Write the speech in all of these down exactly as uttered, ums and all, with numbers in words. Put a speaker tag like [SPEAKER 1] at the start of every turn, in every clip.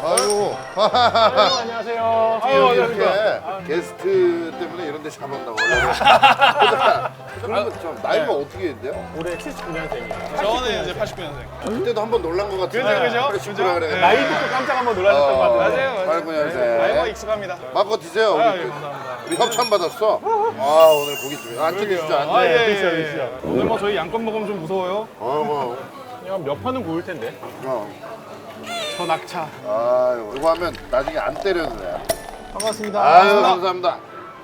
[SPEAKER 1] 아유.
[SPEAKER 2] 아유, 안녕하세요.
[SPEAKER 1] 아유,
[SPEAKER 2] 아유,
[SPEAKER 1] 이렇게
[SPEAKER 2] 안녕하십니까.
[SPEAKER 1] 게스트 때문에 이런 데 잡았다고. 그러면 좀 나이가 어떻게 돼요?
[SPEAKER 2] 올해 칠십구 년생이에요.
[SPEAKER 3] 저는 이제 팔십구 년생.
[SPEAKER 1] 그때도 한 번 놀란 것 같은데.
[SPEAKER 3] 그죠, 그죠?
[SPEAKER 1] 그래, 십구라
[SPEAKER 3] 그죠?
[SPEAKER 1] 그래.
[SPEAKER 3] 네.
[SPEAKER 2] 나이 듣고 깜짝 한번 놀라셨던 것 같은데.
[SPEAKER 3] 맞아요, 맞아요.
[SPEAKER 1] 팔십구 년생.
[SPEAKER 3] 아이고 익숙합니다.
[SPEAKER 1] 마음껏 드세요. 우리,
[SPEAKER 3] 아,
[SPEAKER 1] 그-
[SPEAKER 3] 예, 감사합니다.
[SPEAKER 1] 우리 협찬 받았어. 아, 오늘 고깃집. 안쪽 계시죠?
[SPEAKER 3] 아,
[SPEAKER 1] 안
[SPEAKER 3] 예,
[SPEAKER 1] 돼.
[SPEAKER 3] 예,
[SPEAKER 2] 드시죠,
[SPEAKER 3] 예.
[SPEAKER 2] 드시죠.
[SPEAKER 3] 오늘 뭐 저희 양껏 먹으면 좀 무서워요.
[SPEAKER 1] 어, 뭐.
[SPEAKER 2] 그냥 몇 판은 구울 텐데.
[SPEAKER 1] 어.
[SPEAKER 3] 저 낙차.
[SPEAKER 1] 아유, 이거 하면 나중에 안 때려도 돼.
[SPEAKER 3] 반갑습니다.
[SPEAKER 1] 아유, 감사합니다.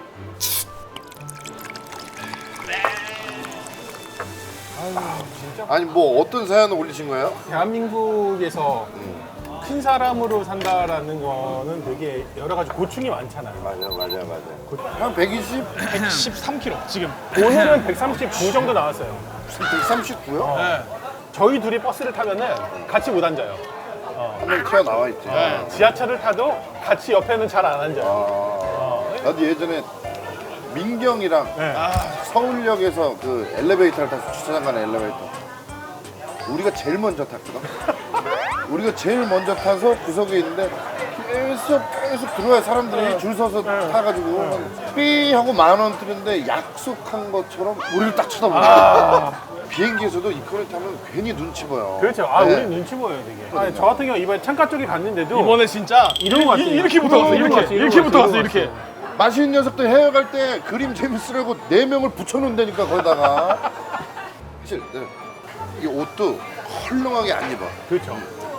[SPEAKER 1] 아니 뭐 어떤 사연을 올리신 거예요?
[SPEAKER 2] 대한민국에서 큰 사람으로 산다라는 거는 되게 여러 가지 고충이 많잖아요.
[SPEAKER 1] 맞아, 맞아, 맞아. 한 백이십,
[SPEAKER 3] 백십삼 킬로그램 지금.
[SPEAKER 2] 오늘은 백삼십구 정도 나왔어요.
[SPEAKER 1] 백삼십구요?
[SPEAKER 3] 네.
[SPEAKER 2] 저희 둘이 버스를 타면은 같이 못 앉아요.
[SPEAKER 1] 한 명 튀어나와 있지.
[SPEAKER 3] 네.
[SPEAKER 2] 지하철을 타도 같이 옆에는 잘 안 앉아요.
[SPEAKER 1] 아, 나도 예전에 민경이랑
[SPEAKER 2] 네.
[SPEAKER 1] 서울역에서 그 엘리베이터를 타서 주차장 가는 엘리베이터. 우리가 제일 먼저 탔거든. 우리가 제일 먼저 타서 구석에 있는데 계속 계속 들어와요. 사람들이 줄 서서 타가지고 삐 하고 만 원 뜨는데 약속한 것처럼 우리를 딱 쳐다보는 거야. 비행기에서도 이코를 타면 괜히 눈치 보여.
[SPEAKER 2] 그렇죠. 아,
[SPEAKER 1] 네.
[SPEAKER 2] 우리 눈치 보여요, 되게. 아니, 저 같은 경우 이번에 창가 쪽에 갔는데도
[SPEAKER 3] 이번에 진짜
[SPEAKER 2] 이런 거 같아요.
[SPEAKER 3] 이렇게 붙어갔어.
[SPEAKER 2] 이런 거
[SPEAKER 3] 이렇게
[SPEAKER 2] 같아요. 이런
[SPEAKER 3] 이렇게
[SPEAKER 2] 거
[SPEAKER 3] 붙어갔어.
[SPEAKER 2] 같아요.
[SPEAKER 3] 이렇게.
[SPEAKER 1] 맛있는 녀석들 해외 갈 때 그림 재밌으려고 네 명을 붙여놓는다니까 거기다가. 사실 네. 이 옷도 헐렁하게 안 입어.
[SPEAKER 2] 그렇죠.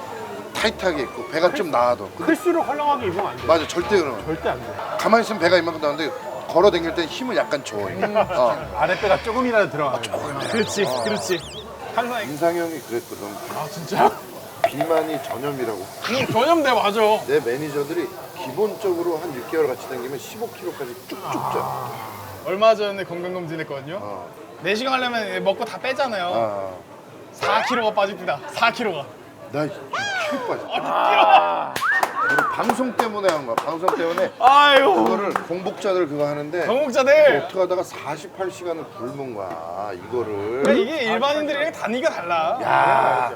[SPEAKER 1] 타이트하게 입고 배가 좀 나와도. 근데
[SPEAKER 2] 클수록 헐렁하게 입으면 안 돼.
[SPEAKER 1] 맞아, 절대 그러면.
[SPEAKER 2] 절대 안 돼.
[SPEAKER 1] 가만히 있으면 배가 이만큼 나오는데 걸어 다닐 때 힘을 약간 줘. 이게. 어.
[SPEAKER 2] 아랫배가 조금이라도 들어가요.
[SPEAKER 3] 그렇지, 그렇지. 항상
[SPEAKER 1] 인상형이 그랬거든.
[SPEAKER 3] 아 진짜?
[SPEAKER 1] 비만이 전염이라고.
[SPEAKER 3] 응, 전염돼 맞아.
[SPEAKER 1] 내 매니저들이 기본적으로 한 육 개월 같이 다니면 십오 킬로그램까지 쭉쭉 쪄.
[SPEAKER 3] 얼마 전에 건강검진했거든요.
[SPEAKER 1] 어.
[SPEAKER 3] 내시경 하려면 먹고 다 빼잖아요.
[SPEAKER 1] 아,
[SPEAKER 3] 사 킬로그램가 빠집니다. 사 킬로그램가.
[SPEAKER 1] 나 육 킬로그램 빠져.
[SPEAKER 3] 아,
[SPEAKER 1] 우리 방송 때문에 한 거야. 방송 때문에
[SPEAKER 3] 아유.
[SPEAKER 1] 그거를 공복자들 그거 하는데
[SPEAKER 3] 정복자들.
[SPEAKER 1] 어떻게 하다가 사십팔 시간을 굶은 거야. 이거를.
[SPEAKER 3] 그러니까 이게 일반인들이랑 단위가 달라.
[SPEAKER 1] 야,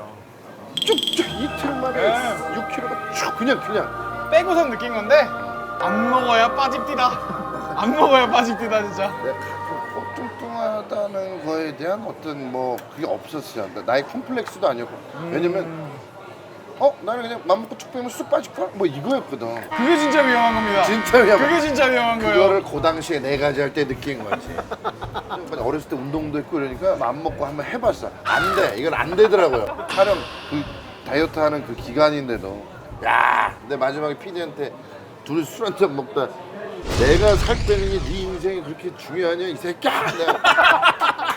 [SPEAKER 1] 쭉쭉 이틀 만에
[SPEAKER 3] 네.
[SPEAKER 1] 육 킬로그램가 쭉 그냥 그냥.
[SPEAKER 3] 빼고선 느낀 건데 안 먹어야 빠집디다. 안 먹어야 빠집디다 진짜.
[SPEAKER 1] 내가 가끔 뚱뚱하다는 거에 대한 어떤 뭐 그게 없었어요. 나의 컴플렉스도 아니었고. 왜냐면 어 나는 그냥 맘 먹고 쭉 빼면 쑥 빠질 거야. 뭐 이거였거든.
[SPEAKER 3] 그게 진짜 위험한 겁니다.
[SPEAKER 1] 진짜 위험.
[SPEAKER 3] 그게 진짜 위험한 거예요.
[SPEAKER 1] 그거를 그 당시에 네 가지 할 때 느낀 거지. 그냥 어렸을 때 운동도 했고 이러니까 맘 먹고 한번 해봤어. 안 돼. 이건 안 되더라고요. 촬영 그 다이어트 하는 그 기간인데도 야. 근데 마지막에 피디한테 둘이 술 한 잔 먹다 내가 살 빼는 게 네 인생이 그렇게 중요하냐 이 새끼야. 내가,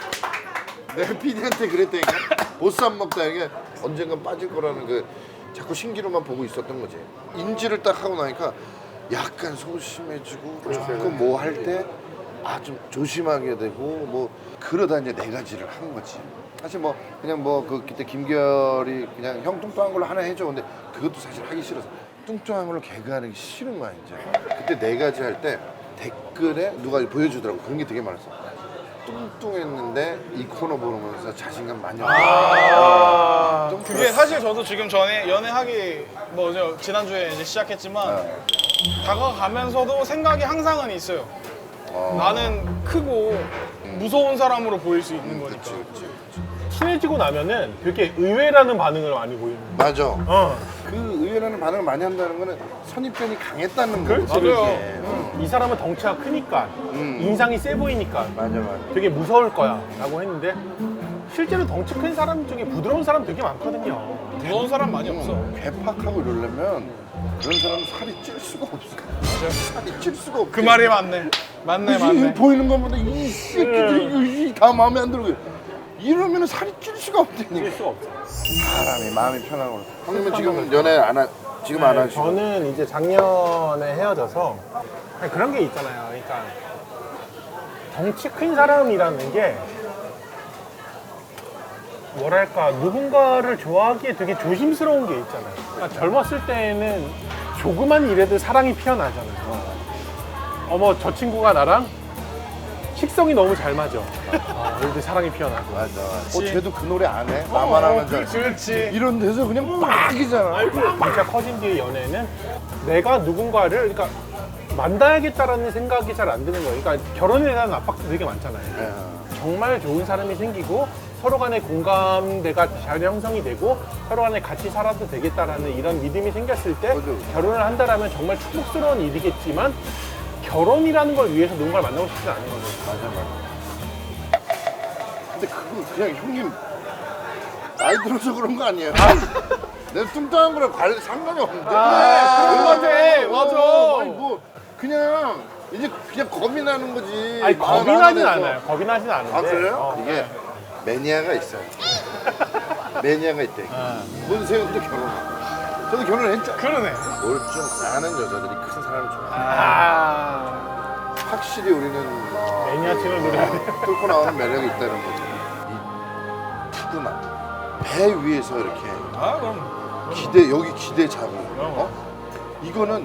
[SPEAKER 1] 내가 피디한테 그랬다니까. 보스 안 먹다 이게 언젠간 빠질 거라는 그 자꾸 신기루만 보고 있었던 거지. 인지를 딱 하고 나니까 약간 소심해지고 조금 뭐 할 때 아 좀 조심하게 되고 뭐 그러다 이제 네 가지를 한 거지. 사실 뭐 그냥 뭐 그 그때 김결이 그냥 형 뚱뚱한 걸로 하나 해줘. 근데 그것도 사실 하기 싫어서 뚱뚱한 걸로 개그하는 게 싫은 거야 이제. 그때 네 가지 할 때 댓글에 누가 보여주더라고. 그런 게 되게 많았어. 뚱뚱했는데 이 코너 보면서 자신감 많이 얻었어. 뚱뚱-
[SPEAKER 3] 그게 사실 저도 지금 전에 연애하기 뭐죠 지난주에 이제 시작했지만 다가가면서도 생각이 항상은 있어요.
[SPEAKER 1] 어.
[SPEAKER 3] 나는 크고 무서운 사람으로 보일 수 있는 거니까.
[SPEAKER 1] 그치, 그치, 그치.
[SPEAKER 2] 친해지고 나면은 되게 의외라는 반응을 많이 보이는 거예요.
[SPEAKER 1] 맞아.
[SPEAKER 2] 어.
[SPEAKER 1] 그 의외라는 반응을 많이 한다는 거는 선입견이 강했다는 거지.
[SPEAKER 2] 그렇지,
[SPEAKER 3] 맞아요.
[SPEAKER 1] 그게. 어.
[SPEAKER 2] 이 사람은 덩치가 크니까,
[SPEAKER 1] 음.
[SPEAKER 2] 인상이 세 보이니까
[SPEAKER 1] 맞아, 맞아.
[SPEAKER 2] 되게 무서울 거야 라고 했는데 실제로 덩치 큰 사람 중에 부드러운 사람 되게 많거든요.
[SPEAKER 3] 무서운 사람 많이 없어.
[SPEAKER 1] 괴팍하고 이러려면 그런 사람은 살이 찔 수가 없어. 살이 찔 수가 없어.
[SPEAKER 3] 그 말이 맞네. 맞네, 맞네.
[SPEAKER 1] 보이는 것보다 이 새끼들이 다 마음에 안 들고 이러면 살이 찔 수가
[SPEAKER 2] 찔
[SPEAKER 1] 없다니.
[SPEAKER 2] 수가 없어.
[SPEAKER 1] 사람이 마음이 편한 거. 형님은 지금 연애 안 하, 지금 안 하시고.
[SPEAKER 2] 저는 이제 작년에 헤어져서 그냥 그런 게 있잖아요. 그러니까 덩치 큰 사람이라는 게 뭐랄까 누군가를 좋아하기에 되게 조심스러운 게 있잖아요. 그러니까 젊었을 때는 조그만 일에도 사랑이 피어나잖아요. 어머 저 친구가 나랑 식성이 너무 잘 맞아. 아, 여기도 사랑이 피어나고.
[SPEAKER 1] 맞아. 어, 쟤도 그 노래 안 해? 나만 하는 줄 알고.
[SPEAKER 3] 그렇지.
[SPEAKER 1] 이런 데서 그냥 막이잖아.
[SPEAKER 2] 진짜 커진 뒤의 연애는 내가 누군가를 그러니까 만나야겠다라는 생각이 잘 안 드는 거예요. 그러니까 결혼에 대한 압박도 되게 많잖아요.
[SPEAKER 1] 네.
[SPEAKER 2] 정말 좋은 사람이 생기고 서로 간의 공감대가 잘 형성이 되고 서로 간에 같이 살아도 되겠다라는 이런 믿음이 생겼을 때
[SPEAKER 1] 맞아.
[SPEAKER 2] 결혼을 한다라면 정말 축복스러운 일이겠지만 결혼이라는 걸 위해서 누군가를 만나고 싶지 않은 거죠.
[SPEAKER 1] 맞아, 맞아. 근데 그거 그냥 형님 나이 들어서 그런 거 아니에요? 내가 뚱뚱한 거랑 관련 상관이 없는데.
[SPEAKER 2] 아,
[SPEAKER 3] 그런 거 같아. 맞아.
[SPEAKER 1] 아니 뭐 그냥 이제 그냥 겁이 나는 거지.
[SPEAKER 2] 아니 겁이
[SPEAKER 1] 마음
[SPEAKER 2] 나진
[SPEAKER 1] 안에서.
[SPEAKER 2] 않아요. 겁이 나진 않은데.
[SPEAKER 1] 아 그래요?
[SPEAKER 2] 어.
[SPEAKER 1] 이게 매니아가 있어요. 매니아가 있대. 문세윤도 결혼하고. 저도 결혼을 했잖아요.
[SPEAKER 3] 그러네.
[SPEAKER 1] 뭘 좀 아는 여자들이 큰 사람을 좋아해.
[SPEAKER 2] 아,
[SPEAKER 1] 확실히 우리는 어,
[SPEAKER 2] 매니아층을 노려야 돼요.
[SPEAKER 1] 뚫고 나오는 매력이 있다는 거죠. 이 푸근함. 배 위에서 이렇게
[SPEAKER 3] 아 그럼.
[SPEAKER 1] 기대 여기 기대 잡고. 어? 이거는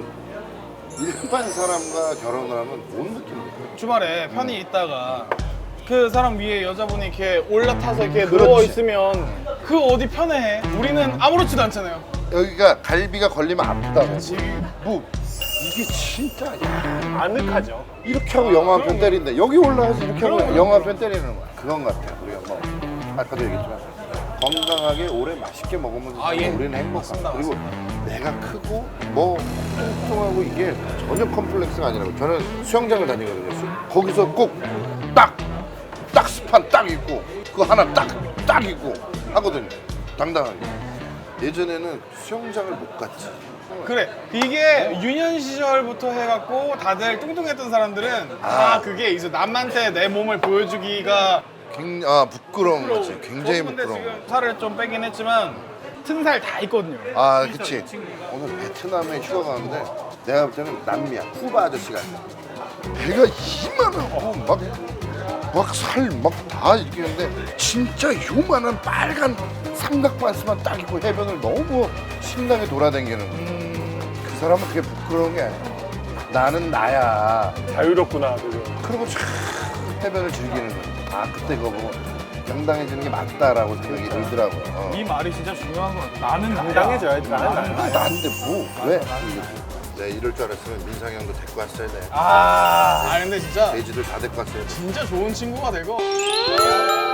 [SPEAKER 1] 일반 사람과 결혼을 하면 뭔 느낌이야?
[SPEAKER 3] 주말에 편히 있다가 그 사람 위에 여자분이 이렇게 올라타서 이렇게
[SPEAKER 1] 그렇지.
[SPEAKER 3] 누워 있으면 그 어디 편해? 우리는 아무렇지도 않잖아요.
[SPEAKER 1] 여기가 갈비가 걸리면 아프다고.
[SPEAKER 3] 그렇지.
[SPEAKER 1] 뭐 이게 진짜 야,
[SPEAKER 2] 아늑하죠.
[SPEAKER 1] 이렇게 하고 영화 한 편 때린다. 여기 올라가서 이렇게 하고
[SPEAKER 3] 그럼.
[SPEAKER 1] 영화 한 편 때리는 거야. 그건 같아. 우리가 뭐 아까도 얘기했지만 건강하게 오래 맛있게 먹으면
[SPEAKER 3] 아, 예.
[SPEAKER 1] 우리는 행복하다.
[SPEAKER 3] 맞습니다,
[SPEAKER 1] 그리고 내가 크고 뭐 뚱뚱하고 이게 전혀 컴플렉스가 아니라고. 저는 수영장을 다니거든요. 수- 거기서 꼭 딱 딱 스판 딱 입고 그거 하나 딱 딱 입고 하거든요. 당당하게. 예전에는 수영장을 못 갔지.
[SPEAKER 3] 그래. 이게 유년 시절부터 해갖고 다들 뚱뚱했던 사람들은 아, 그게 이제 남한테 내 몸을 보여주기가
[SPEAKER 1] 굉, 아 부끄러운 거지. 굉장히
[SPEAKER 3] 근데
[SPEAKER 1] 부끄러운 거.
[SPEAKER 3] 지금 살을 좀 빼긴 했지만 튼살 다 있거든요.
[SPEAKER 1] 아, 그치. 오늘 베트남에 휴가 가는데 내가 볼 때는 남미야. 쿠바 아저씨가 아니야. 배가 이만하고 막, 막 살 막 다 이렇게 있는데 진짜 요만한 빨간 삼각반스만 딱 입고 해변을 너무 신나게 돌아다니는 거야. 그 사람은 그게 부끄러운 게 아니야. 나는 나야.
[SPEAKER 2] 자유롭구나. 그죠.
[SPEAKER 1] 그리고 참 해변을 즐기는 거야. 아, 그때 그거 보고 당당해지는 게 맞다라고 생각이 들더라고요. 어.
[SPEAKER 3] 이 말이 진짜 중요한 것 같아. 나는
[SPEAKER 2] 당당해져야지. 나는
[SPEAKER 3] 나는
[SPEAKER 2] 나야.
[SPEAKER 1] 나인데 뭐 왜? 내가 이럴 줄 알았으면 민상이 형도 데리고 왔어야 돼.
[SPEAKER 3] 아, 아 근데 진짜
[SPEAKER 1] 돼지들 다 데리고 왔어야 돼.
[SPEAKER 3] 진짜 좋은 친구가 되고